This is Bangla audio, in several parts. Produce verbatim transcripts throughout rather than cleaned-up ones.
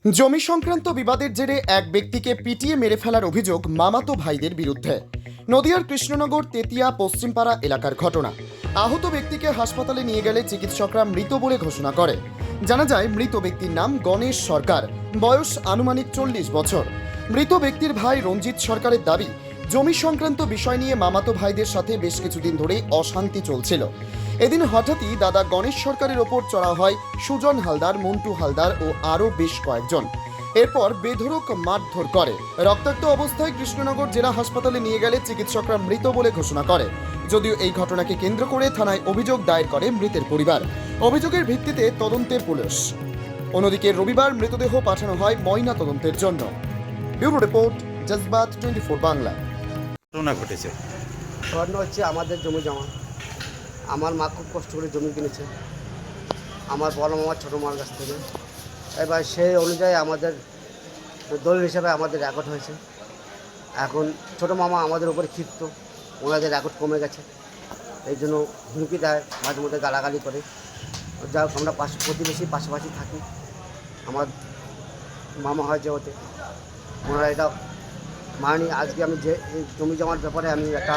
জমি সংক্রান্ত বিবাদের জেরে এক ব্যক্তিকে পিটিয়ে মেরে ফেলার অভিযোগ মামাতো ভাইদের বিরুদ্ধে। নদিয়ার কৃষ্ণনগর তেতিয়া পশ্চিমপাড়া এলাকার ঘটনা। আহত ব্যক্তিকে হাসপাতালে নিয়ে গেলে চিকিৎসকরা মৃত বলে ঘোষণা করে। জানা যায় মৃত ব্যক্তির নাম গণেশ সরকার, বয়স আনুমানিক চল্লিশ বছর। মৃত ব্যক্তির ভাই রঞ্জিত সরকারের দাবি, জমি সংক্রান্ত বিষয় নিয়ে মামাতো ভাইদের সাথে বেশ কিছুদিন ধরেই অশান্তি চলছিল। এদিন হঠাৎই দাদা গণেশ সরকারের ওপর চড়া হয় সুজন হালদার, মন্টু হালদার ও আরও বেশ কয়েকজন। এরপর বেধড়ক মারধর করে। রক্তাক্ত অবস্থায় কৃষ্ণনগর জেলা হাসপাতালে নিয়ে গেলে চিকিৎসকরা মৃত বলে ঘোষণা করে। যদিও এই ঘটনাকে কেন্দ্র করে থানায় অভিযোগ দায়ের করে মৃতের পরিবার। অভিযোগের ভিত্তিতে তদন্তে পুলিশ। অন্যদিকে রবিবার মৃতদেহ পাঠানো হয় ময়না তদন্তের জন্য। ব্যুরো রিপোর্ট, জজবাত টোয়েন্টি ফোর বাংলা। ঘটনা ঘটেছে ঘটনা হচ্ছে আমাদের জমি জমা। আমার মা খুব কষ্ট করে জমি কিনেছে আমার বড় মামা ছোটো মার কাছ থেকে। এবার সেই অনুযায়ী আমাদের দলিল হিসাবে আমাদের রেকর্ড হয়েছে। এখন ছোটো মামা আমাদের উপরে ক্ষিপ্ত, ওনাদের রেকর্ড কমে গেছে, এই জন্য হুমকি দেয়, মাঝে মধ্যে গালাগালি করে। যা হোক, আমরা পাশে প্রতিবেশী পাশাপাশি থাকি। আমার মামা হয় যে ওতে ওনারা এটা মানি। আজকে আমি যে এই জমি জমার ব্যাপারে আমি একটা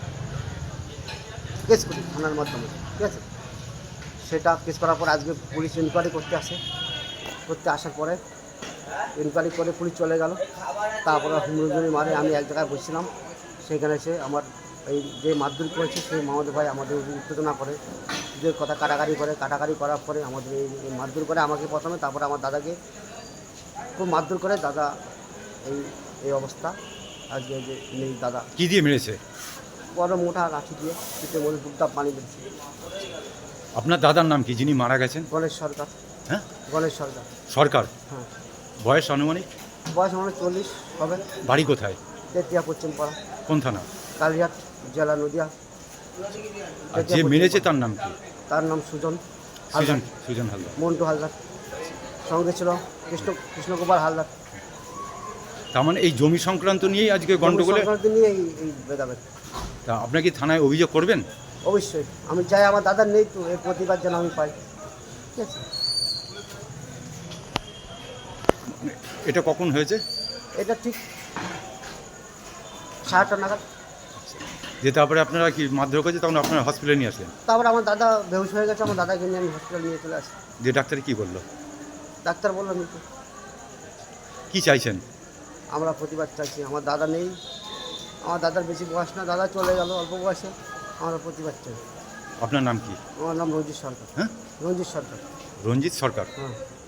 কেস করি থানার মাধ্যমে, ঠিক আছে। সেটা কেস করার পর আজকে পুলিশ ইনকোয়ারি করতে আসে। করতে আসার পরে ইনকোয়ারি করে পুলিশ চলে গেল। তারপরে হুমরুজুরি মারে, আমি এক জায়গায় বসছিলাম, সেখানে এসে আমার এই যে মারধর করেছে সেই মামাদের ভাই আমাদের উত্তেজনা করে, যে কথা কাটাকাটি করে। কাটাকাটি করার পরে আমাদের এই মারধর করে আমাকে প্রথমে, তারপরে আমার দাদাকে খুব মারধর করে। দাদা এই এই অবস্থা আজকে যে নেই। দাদা কি দিয়ে মেরেছে? বড় মোটা লাঠি দিয়ে পিঠের মধ্যে টুকটাপ পানি দিচ্ছে। আপনার দাদার নাম কি যিনি মারা গেছেন? গণেশ সরকার। হ্যাঁ, গণেশ সরকার সরকার। হ্যাঁ। বয়স আনুমানিক? বয়স মানে চল্লিশ হবে। বাড়ি কোথায়? তেতিয়া পশ্চিম পাড়া, কোন থানা? কালিয়াট, জেলা নদিয়া। আর যে মেরেছে তার নাম কি? তার নাম সুজন সুজন সুজন হালদার। মন্টু হালদার, সঙ্গে ছিল কৃষ্ণ কৃষ্ণকুমার হালদার। তার মানে এই জমি সংক্রান্ত নিয়েই আজকে গন্ডগোলে? সংক্রান্তি নিয়ে এই এই ভেদাভেদ। তা আপনার কি থানায় অভিযোগ করবেন? অবশ্যই আমি চাই আমার দাদার নেই তো এর প্রতিবাদ যেন আমি পাই, ঠিক আছে। এটা কখন হয়েছে? এটা ঠিক সাড়ে নাগাদ। যে তারপরে আপনারা কি মারধর করেছে তখন আপনারা হসপিটালে নিয়ে আসলেন? তারপরে আমার দাদা বেহুশ হয়ে গেছে, আমার দাদাকে নিয়ে আমি হসপিটাল নিয়ে চলে আসি। যে ডাক্তার কি বললো? ডাক্তার বললো মৃত্যু। কি চাইছেন? আমরা প্রতিবাদ চাইছি, আমার দাদা নেই। আমার দাদার বেশি বয়স না, দাদা চলে গেল অল্প বয়সে। আমরা প্রতিবাদ চাই। আপনার নাম কি? আমার নাম রঞ্জিত সরকার। হ্যাঁ, রঞ্জিত সরকার। রঞ্জিত সরকার। হ্যাঁ।